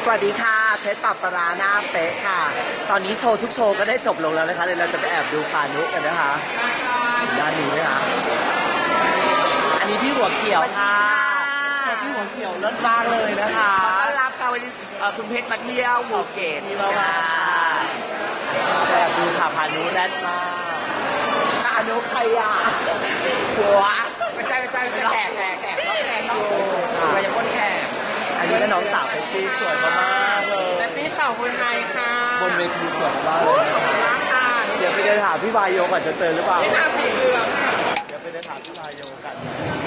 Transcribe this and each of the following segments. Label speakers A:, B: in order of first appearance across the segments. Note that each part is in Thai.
A: สวัสดีค่ะเพชรปรับปลาหน้าเป๊ะค่ะตอนนี้โชว์ทุกโชว์ก็ได้จบลงแล้วนะคะเดี๋ยวเราจะไปแอบดูพานุกันนะคะด้านนี้ไหมคะอันนี้พี่หัวเขียวค่ะโชว์พี่หัวเขียวเลิศมากเลยนะคะ
B: ขอต้อนรับค่ะวันนี้คุณเพชรมาเที่ยวภูเก็ต
A: นี่มาแอบดูค่ะพานุแรดมากพานุใครอ่ะ
B: หัวไม่ใช่แขกรับแขกอยู่เราจะพ้นแขก
A: อันนี้ก็น้องสาวเพชรสวยมากๆเลย
B: และพี่สาวคนไทยค่ะ
A: บนเวทีสวยมากเลยค่ะเดี๋ยวไปเดินหาพี่วายโยก่อนจะเจอหรือเปล่า
B: พี่นาสีเหลือง
A: เดี๋ยวไปเดินหาพี่วายโยกัน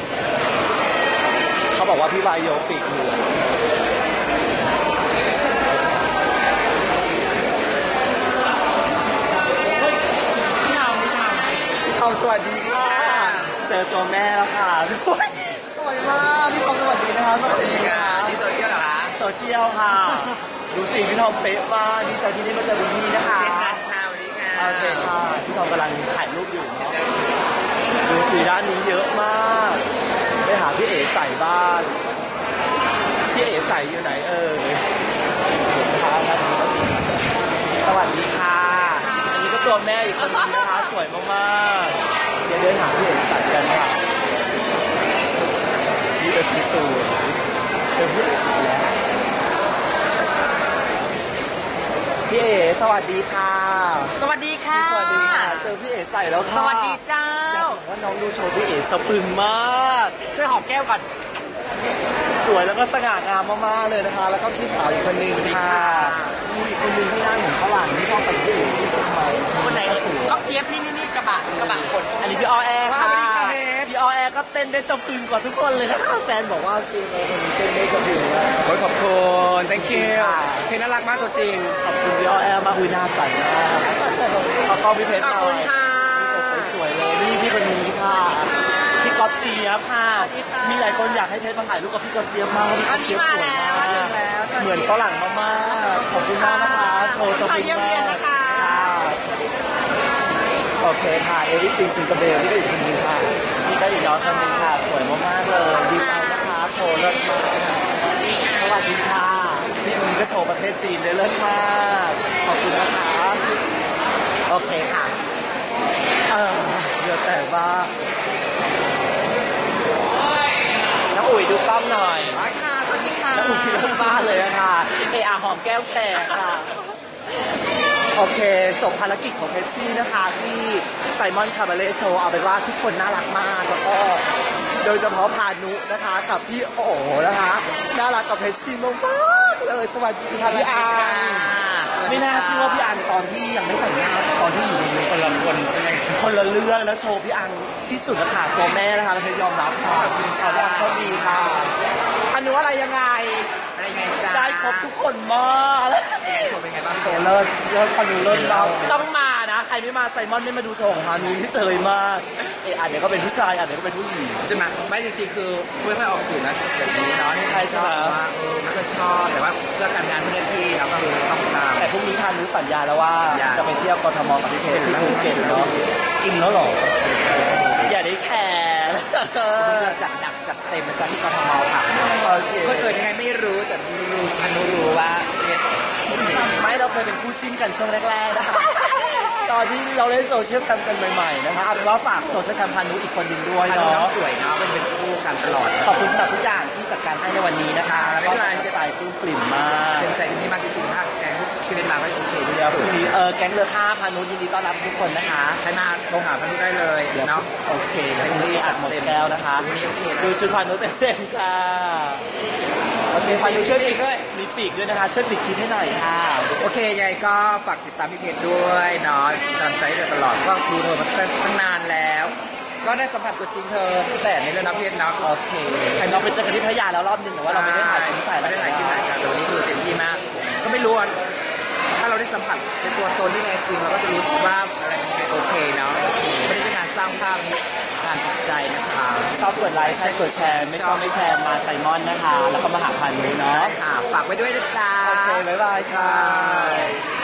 A: เขาบอกว่าพี่วายโยปีกเหลืองสวัสดีค่ะเจอตัวแม่แล้วค่ะสวยมากพี่ทอมสวัสดีนะคะสวัสดีค่ะ
B: นี่โซเชียลเหรอคะ
A: โซเชียลค่ะดูสิพี่ทอมเป๊ะมากดีใจที่ได้มาเจอคุณพี่นะคะ
B: เช่นกันค่ะวันนี้ค่ะ
A: โอเคค่ะพี่ทอมกำลังถ่ายรูปอยู่เนาะดูสิด้านนี้เยอะมากไปหาพี่เอ๋ใส่บ้านพี่เอ๋ใส่อยู่ไหนสวัสดีค่ะอันนี้ก็ตัวแม่อีกคนนึงนะคะสวยมากๆเดี๋ยวเดินหาพี่เอ๋ใส่กันค่ะนี่เป็นสีสูทเจอพี่เอ๋ใส่แล้วพี่เอ๋สวัสดีค่ะ
B: สวัสดีค่ะ
A: สวัสดีค่ะเจอพี่เอ๋ใส่แล้วค่ะ
B: สวัสดีเจ้า
A: อยากบอกว่าน้องดูโชว์พี่เอ๋สะพรึงมาก
B: ช่วยหอมแก้วก่อน
A: สวยแล้วก็สง่างามมากๆเลยนะคะแล้วก็พี่สาวอีกคนนึงค่ะมีอีกคนนึงที่นั่งเหมือนฝรั่งที่ชอบไปที่อื่นที่เชียงใหม่
B: คนไหนก็เจี๊ยบนี่กระบะคน
A: อันนี้พี่ออแอร์ค่ะพี่ออแอร์ก็เต้นได้สะพรึงกว่าทุกคนเลยนะคะแฟนบอกว่าจริงเลยคนนี้เต้นได้สะพรึงมาก
B: ขอบคุณ thank you เพชรน่ารักมากตัวจริง
A: ขอบคุณพี่ออแอร์มากคุยหน้าใสมากขอบคุณพี่เพชรหน่อย
B: ขอบคุณค่ะ
A: สวยๆเลยนี่พี่คนนี้ค่ะพี่ก๊อฟเจี๊ยบค่ะมีหลายคนอยากให้เพชรมาถ่ายรูปกับพี่ก๊อฟเจี๊ยบมากพี่ก๊อฟเจี๊ยบสวยมากเหมือนฝรั่งมากๆขอบคุณมากนะคะโชว์สปิงมากโอเคค่ะเอริติงซิงเกิลเบลนี่ก็อีกคนนึงค่ะนี่ก็อีกน้องคนนึงค่ะสวยมากๆเลยดีใจนะคะโชว์เลิศมากสวัสดีค่ะพี่คนนี้ก็โชว์ประเทศจีนได้เลิศมากขอบคุณนะคะโอเคค่ะเดี๋ยวแต่ว่าน้ำอุ่ยดูกล้องหน่อย
B: ค่ะสวัสดีค่ะ
A: น้ำอุ่ยเลิศมากเลยค่ะหอมแก้วแขกค่ะโอเคจบภารกิจของเพชชี่นะคะที่ไซมอนคาบาเล่โชว์เอาเป็นว่าทุกคนน่ารักมากแล้วก็โดยเฉพาะพานุนะคะกับพี่โอ๋นะคะน่ารักกับเพชชี่มากๆเลยสวัสดีค่ะพี่อังไม่น่าเชื่อว่าพี่อังตอนที่ยังไม่แต่งงานตอนที่อยู่ในคนละคนใช่ไหมคนละเรื่องแล้วโชว์พี่อังที่สุดนะคะตัวแม่นะคะเพชรยอมรับค่ะพี่อังโชคดีค่ะพานุอะไรยังไงได้ครบทุกคนมาก
B: โชว์เป็นไงบ้าง
A: โชว์เลิศพานุเลิศเราต้องมานะใครไม่มาไซมอนไม่มาดูโชว์ของพานุที่เฉยมากอันนี้ก็เป็นผู้ชายอันนี้ก็เป็นผู้หญิง
B: ใช่ไหมไม่จริงๆคือไม่ค่อยออกสื่อนะแบบนี้เนาะ
A: ใช่ใช่
B: ว่าไม่ค่อยชอบแต่ว่าเรื่องการงานที่เล่นที่เราก็คือต้องตาม
A: แต่พรุ่งนี้พานุสัญญาแล้วว่าจะไปเที่ยวกทมกับพี่เพชรที่ภูเก็ตเนาะอินแล้วหรออย่าได้แคร์
B: จัดหนักจัดเต็มนะจ๊ะที่กทมค่ะคนอื่นยังไงไม่รู้แต่พานุรู้ว่า
A: ไม่เราเคยเป็นคู่จิ้นกันช่วงแรกๆนะคะตอนที่เราเล่นโซเชียลแคมกันใหม่ๆนะคะเอาเป็นว่าฝากโซเชียลแคมพานุอีกคนหนึ่งด้วยเนาะ
B: สวยเนาะเป็นคู่กันตลอด
A: ขอบคุณสำหรับทุกอย่างที่จัดการให้ในวันนี้นะคะแล้วก็ใจปลื้มปริ่มมาก
B: เต็มใจเต็มที่มากจริงๆถ้าแกงที่เป็นมาก็โอเคดี
A: เดี๋ยวพรุ่งนี้แก๊งเรือข้าพานุยินดีต้อนรับทุกคนนะคะ
B: ใช้มาโทรหาพานุได้เลยเนาะ
A: โอเคเต็มที่จัดหมดแก้วนะคะดูชุดพานุเต็มๆค่ะโอเคพานุช่วยปีกด้วยมีปีกด้วยนะคะช่วยปีกคิดให้หน่อยค่ะ
B: โอเคยายก็ฝากติดตามพี่เพชรด้วยเนาะกำลังใจตลอดก็ดูเธอมาตั้งนานแล้วก็ได้สัมผัสตัวจริงเธอแต่ในเรื่องน้ำเพชรเนาะ
A: โอเคเราไปเจอกันที่พัทยาแล้วรอบนึงแต่ว่าเราไม่ได้ถ่ายคลิป
B: ไม่ได้ถ่ายคลิปไหนกันแต่วันนี้คือเต็มที่มากก็ไม่รู้ถ้าเราได้สัมผัสในตัวตนที่แท้จริงเราก็จะรู้สึกว่าอะไรมันโอเคเนาะไม่ได้เป็นการสร้างภาพนี้การติดใจนะคะ
A: ชอบกดไลค์ใช่กดแชร์ไม่ชอบไม่แคร์มาไซมอนนะคะแล้วก็มาหาพานุเนาะ
B: ใช่ค่ะฝากไว้ด้วยนะจ๊ะ
A: โอเคบ๊ายบายค่ะ